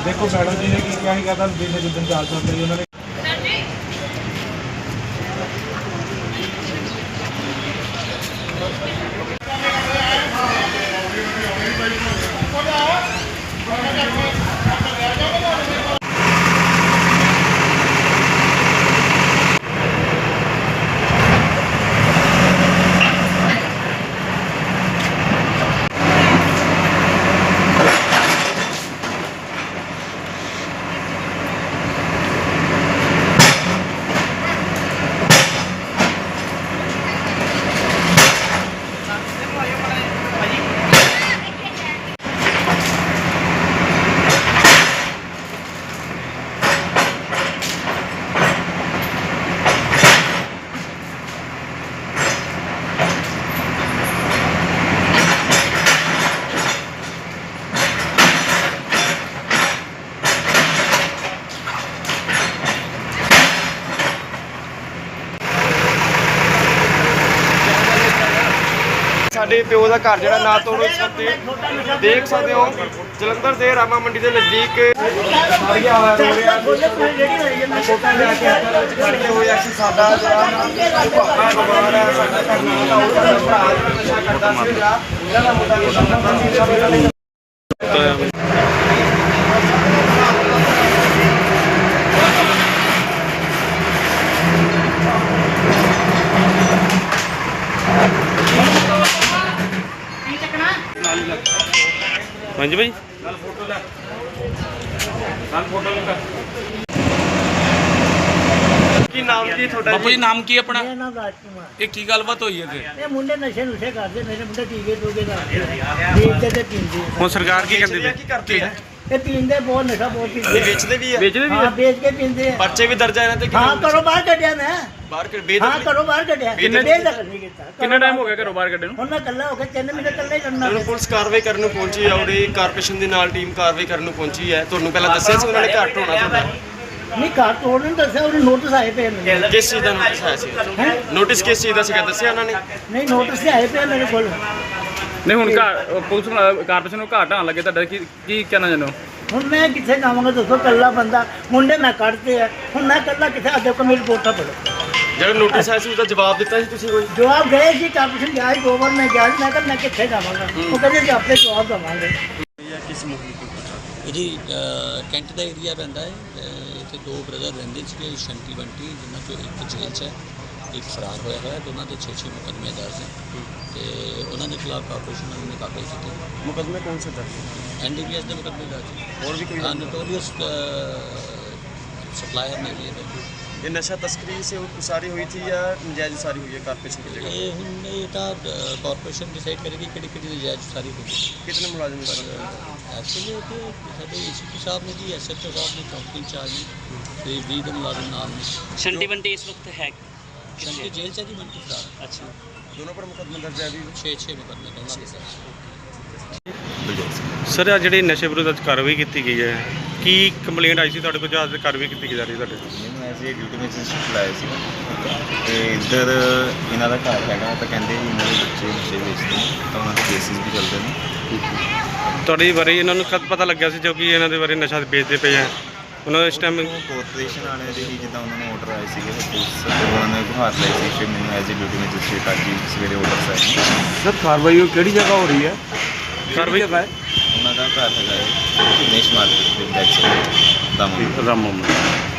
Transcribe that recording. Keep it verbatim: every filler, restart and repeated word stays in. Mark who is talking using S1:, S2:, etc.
S1: देखो मैडम जी ने की क्या ही कहता दिन जिस दिन चार सौ रुपये उन्होंने ਸਾਡੇ ਪਿਓ ਦਾ ਘਰ ਜਿਹੜਾ ਨਾ ਤੋੜੋ ਇਸ ਵਕਤ ਦੇਖ ਸਕਦੇ ਹੋ ਜਲੰਧਰ ਦੇ ਰਾਮਾ ਮੰਡੀ ਦੇ ਨਜ਼ਦੀਕ ਸਾਰੀਆਂ ਹੋ ਰਿਹਾ ਫੋਟੋ ਲੈ ਕੇ ਵਿੱਚ ਖੜੇ ਹੋਏ ਅਸੀਂ ਸਾਡਾ ਜਿਹੜਾ ਬਿਮਾਰ ਹੈ ਸਾਡਾ ਕਰਨਾ ਦਾ ਉਹਦਾ ਭਰਾ ਨਸ਼ਾ ਕਰਦਾ ਸੀਗਾ ਇਹਨਾਂ ਦਾ ਮੁੰਡਾ ਨਸ਼ਾ ਕਰਦਾ ਸੀ हाँ जी भाई फोटो ले फोटो ਕੀ ਨਾਮ ਕੀ ਤੁਹਾਡਾ
S2: ਬਾਪੂ ਜੀ ਨਾਮ ਕੀ ਆਪਣਾ?
S3: ਮੇਰਾ ਨਾਮ ਰਾਜਕੁਮਾਰ।
S2: ਇਹ ਕੀ ਗੱਲਬਾਤ ਹੋਈ ਹੈ ਤੇ
S3: ਇਹ ਮੁੰਡੇ ਨਸ਼ੇ ਨੁਸ਼ੇ ਕਰਦੇ, ਮੇਰੇ ਮੁੰਡੇ ਟੀਕੇ ਟੂਕੇ ਲਾਉਂਦੇ ਵੇਚਦੇ ਤੇ ਪੀਂਦੇ।
S1: ਹੁਣ ਸਰਕਾਰ ਕੀ ਕਹਿੰਦੀ
S4: ਕੀ ਕਰਦੀ ਹੈ?
S3: ਇਹ ਪੀਂਦੇ ਬਹੁਤ, ਨਸ਼ਾ ਬਹੁਤ ਪੀਂਦੇ।
S4: ਵੇਚਦੇ ਵੀ ਹੈ,
S1: ਵੇਚਦੇ ਵੀ
S3: ਹਾਂ ਵੇਚ ਕੇ ਪੀਂਦੇ ਆ।
S4: ਪਰਚੇ ਵੀ ਦਰਜ ਹੈ ਇਹਨਾਂ ਤੇ ਕਿ
S3: ਹਾਂ ਘਰੋਂ ਬਾਹਰ ਕੱਢਿਆ ਮੈਂ,
S4: ਬਾਹਰ ਕਰ ਵੇਚ
S3: ਹਾਂ ਘਰੋਂ ਬਾਹਰ ਕੱਢਿਆ।
S4: ਕਿੰਨੇ-
S3: ਬੇਦਖਲ ਨਹੀਂ ਕੀਤਾ।
S1: ਕਿੰਨਾ ਟਾਈਮ ਹੋ ਗਿਆ ਘਰੋਂ ਬਾਹਰ ਕੱਢੇ ਨੂੰ?
S3: ਹੁਣ ਮੈਂ ਇਕੱਲਾ ਹੋ ਕੇ ਤਿੰਨ ਮਹੀਨੇ ਇਕੱਲੇ ਕਰਨਾ।
S4: ਹੁਣ ਪੁਲਿਸ ਕਾਰਵਾਈ ਕਰਨ ਨੂੰ ਪਹੁੰਚੀ ਹੈ, ਉਹਦੀ ਕਾਰਪੋਰੇਸ਼ਨ ਦੇ ਨਾਲ ਟੀਮ ਕਾਰਵਾਈ ਕਰਨ ਨੂੰ ਪਹੁੰਚੀ ਹੈ। ਤੁਹਾਨੂੰ ਪਹਿਲਾਂ ਦੱਸਿਆ ਸੀ ਉਹਨਾਂ ਨੇ ਘਰ ਢੋਣਾ ਤੁਹਾਡਾ?
S3: ਨਹੀਂ ਘਰ ਤੋੜਨ ਨੂੰ ਦੱਸਿਆ, ਉਹਨੇ ਨੋਟਿਸ ਆਏ ਪਏ ਮੈਨੂੰ।
S4: ਕਿਸ ਚੀਜ਼ ਦਾ ਨੋਟਿਸ ਆਇਆ ਸੀ? ਨੋਟਿਸ ਕਿਸ ਚੀਜ਼ ਦਾ ਸੀਗਾ ਦੱਸਿਆ ਉਹਨਾਂ ਨੇ?
S3: ਨਹੀਂ ਨੋਟਿਸ ਆਏ ਪਏ ਮੇਰੇ ਕੋਲ।
S1: ਨਹੀਂ ਹੁਣ ਘਰ ਪੁਲਿਸ ਕਾਰਪੋਰੇਸ਼ਨ ਨੂੰ ਘਾਟ ਆਣ ਲੱਗੇ ਤੁਹਾਡਾ ਕੀ ਕੀ ਕਹਿਣਾ ਚਾਹੁੰਦੇ ਹੋ?
S3: ਹੁਣ ਮੈਂ ਕਿੱਥੇ ਜਾਵਾਂਗਾ ਦੱਸੋ? ਇਕੱਲਾ ਬੰਦਾ, ਮੁੰਡੇ ਮੈਂ ਕੱਢਦੇ ਆ, ਹੁਣ ਮੈਂ ਇਕੱਲਾ ਕਿੱਥੇ? ਆ ਦੇਖੋ ਮੇਰੀ ਰਿਪੋਰਟਾਂ ਪੜੋ।
S4: ਜਿਹੜਾ ਨੋਟਿਸ ਆਇਆ ਸੀ ਉਹਦਾ ਜਵਾਬ ਦਿੱਤਾ ਸੀ ਤੁਸੀਂ ਕੋਈ?
S3: ਜਵਾਬ ਗਏ ਸੀ ਕਾਰਪੋਰੇਸ਼ਨ ਗਿਆ ਸੀ, ਦੋ ਵਾਰ ਮੈਂ ਗਿਆ ਸੀ। ਮੈਂ ਕਿਹਾ ਮੈਂ ਕਿੱਥੇ ਜਾਵਾਂਗਾ? ਉਹ ਕਹਿੰਦੇ ਜੀ ਆਪੇ ਜਵਾਬ ਦੇਵਾਂਗੇ।
S4: ਕਿਸ ਮੁੱਖ
S5: ਇਹਦੀ ਕੈਂਟ ਦਾ ਏਰੀਆ ਪੈਂਦਾ ਹੈ। ਇੱਥੇ ਦੋ ਬ੍ਰਦਰ ਰਹਿੰਦੇ ਸੀਗੇ, ਸ਼ੰਟੀ ਬੰਟੀ, ਜਿਨ੍ਹਾਂ ਚੋਂ ਇੱਕ ਜੇਲ੍ਹ 'ਚ ਹੈ, ਇੱਕ ਫਰਾਰ ਹੋਇਆ ਹੋਇਆ। ਦੋਨਾਂ ਦੇ ਛੇ ਛੇ ਮੁਕੱਦਮੇ ਦਰਜ ਹੈ ਤੇ ਉਹਨਾਂ ਦੇ ਖਿਲਾਫ ਕਾਰਪੋਰੇਸ਼ਨ ਨੇ ਕਾਰਵਾਈ ਕੀਤੀ।
S4: ਮੁਕੱਦਮੇ ਕੌਣ ਸੇ ਦਰਜ?
S5: ਐਨ ਡੀ ਪੀ ਐਸ ਦੇ ਮੁਕੱਦਮੇ ਦਰਜ ਹੈ।
S4: ਹੋਰ ਵੀ ਕੋਈ?
S5: ਨੋਟੋਰੀਅਸ ਸਪਲਾयर ने लिए थे।
S4: ये नशा तस्करी से उसारी हुई थी या नजायज उसारी हुई है कारपोरेशन की जगह?
S5: ये ਹੁਣ ਇਹ ਤਾਂ ਕਾਰਪੋਰੇਸ਼ਨ ਡਿਸਾਈਡ ਕਰੇਗੀ ਕਿਹੜੀ ਕਿਹੜੀ ਨਜਾਇਜ਼ ਸਾਰੀ ਹੋਗੀ।
S4: कितने मुलाजिम इस पर?
S5: ਐਕਚੁਅਲੀ ਕਿ ਸਾਡੇ ਏ ਸੀ ਪੀ ਸਾਹਿਬ ਨੇ ਜੀ, ਐਸ ਐਚ ਓ ਸਾਹਿਬ ਨੇ, ਚੌਕੀ ਇੰਚਾਰਜ ਨੇ ਤੇ ਵੀਹ ਦੇ ਮੁਲਾਜ਼ਮ ਨਾਲ ਨੇ।
S6: शंटी बंटी इस वक्त है
S5: ਸ਼ੰਟੀ ਜੇਲ੍ਹ 'ਚ ਹੈ ਜੀ, ਬੰਟੀ ਫਰਾਰ।
S6: अच्छा
S4: दोनों पर मुकदमा दर्ज है अभी?
S5: ਛੇ ਛੇ ਮੁਕੱਦਮੇ ਦੋਨਾਂ ਦੇ ਸਾਥ।
S1: ਸਰ ਆ ਜਿਹੜੀ ਨਸ਼ੇ ਵਿਰੁੱਧ ਅੱਜ ਕਾਰਵਾਈ ਕੀਤੀ ਗਈ ਹੈ, ਕੀ ਕੰਪਲੇਂਟ ਆਈ ਸੀ ਤੁਹਾਡੇ ਕੋਲ ਜਾਂ ਅੱਜ ਕਾਰਵਾਈ ਕੀਤੀ ਜਾ ਰਹੀ ਤੁਹਾਡੇ?
S7: ਮੈਨੂੰ ਐਸੇ ਡਿਊਟੀ ਵਿੱਚ ਸ਼ਿਫਟ ਲਾਇਆ ਸੀ ਤੇ ਇੱਧਰ ਇਹਨਾਂ ਦਾ ਘਰ ਹੈਗਾ, ਤਾਂ ਕਹਿੰਦੇ ਵੀ ਇਹਨਾਂ ਦੇ ਬੱਚੇ ਨਸ਼ੇ ਵੇਚਦੇ ਨੇ, ਤਾਂ ਉਹਨਾਂ ਦੇ ਕੇਸਿਸ ਵੀ ਚੱਲਦੇ ਨੇ।
S1: ਤੁਹਾਡੇ ਬਾਰੇ ਇਹਨਾਂ ਨੂੰ ਕਦ ਪਤਾ ਲੱਗਿਆ ਸੀ ਜੋ ਕਿ ਇਹਨਾਂ ਦੇ ਬਾਰੇ ਨਸ਼ਾ ਵੇਚਦੇ ਪਏ ਆ? ਉਹਨਾਂ ਦਾ ਇਸ ਟਾਈਮ
S7: ਕਾਰਪੋਰੇਸ਼ਨ ਵਾਲਿਆਂ ਦੇ ਹੀ ਜਿੱਦਾਂ ਉਹਨਾਂ ਨੂੰ ਆਰਡਰ ਆਏ ਸੀਗੇ ਪੁਲਿਸ ਤੋਂ, ਉਹਨਾਂ ਨੇ ਗੁਹਾਰ ਲਾਈ ਸੀ ਕਿ ਮੈਨੂੰ ਐਜ਼ ਏ ਡਿਊਟੀ ਮੈਜਿਸਟ੍ਰੇਟ ਅੱਜ ਹੀ ਸਵੇਰੇ ਆਰਡਰ ਆਏ।
S1: ਸਰ ਕਾਰਵਾਈ ਕਿਹੜੀ ਜਗ੍ਹਾ ਹੋ ਰਹੀ ਹੈ? ਕਾਰਵਾਈ ਜਗ੍ਹਾ ਹੈ
S7: ਉਹਨਾਂ ਦਾ ਘਰ ਹੈਗਾ ਹੈ ਦਿਨੇਸ਼ ਮਾਰਕੀਟ ਦੇ ਬੈਕ ਸਾਈਡ ਦਾ
S1: ਰਾਮ